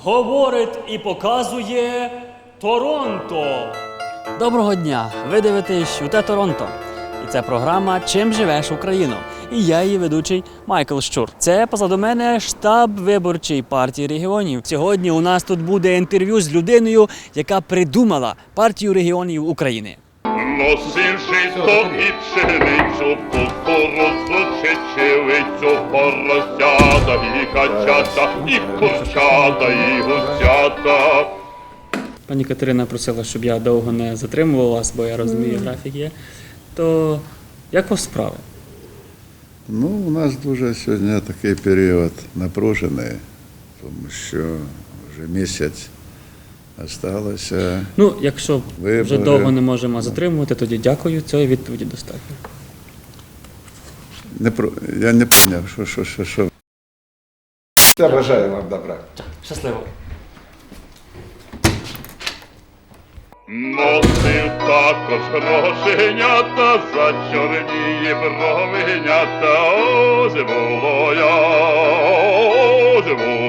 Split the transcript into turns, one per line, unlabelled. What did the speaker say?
говорить і показує Торонто.
Доброго дня! Ви дивитесь ЮТ Торонто. І це програма «Чим живеш Україно?» І я її ведучий Майкл Щур. Це позаду мене штаб виборчої партії регіонів. Сьогодні у нас тут буде інтерв'ю з людиною, яка придумала партію регіонів України.
Носив жито і пшеницю, кукурудзу, чечевицю, поросята і качата, і курчата, і гусята.
Пані Катерина просила, щоб я довго не затримував вас, бо я розумію, графік є. То як у вас справи?
Ну, у нас дуже сьогодні такий період напружений, тому що вже місяць залишилося.
Ну, якщо вже
Вибори.
довго не можемо затримувати, тоді дякую, цієї відповіді достатньо.
Я не зрозумів, що.
Я бажаю вам добра.
Щасливо.
Носив також грошенята, за чорні бровенята, ось було я, ось було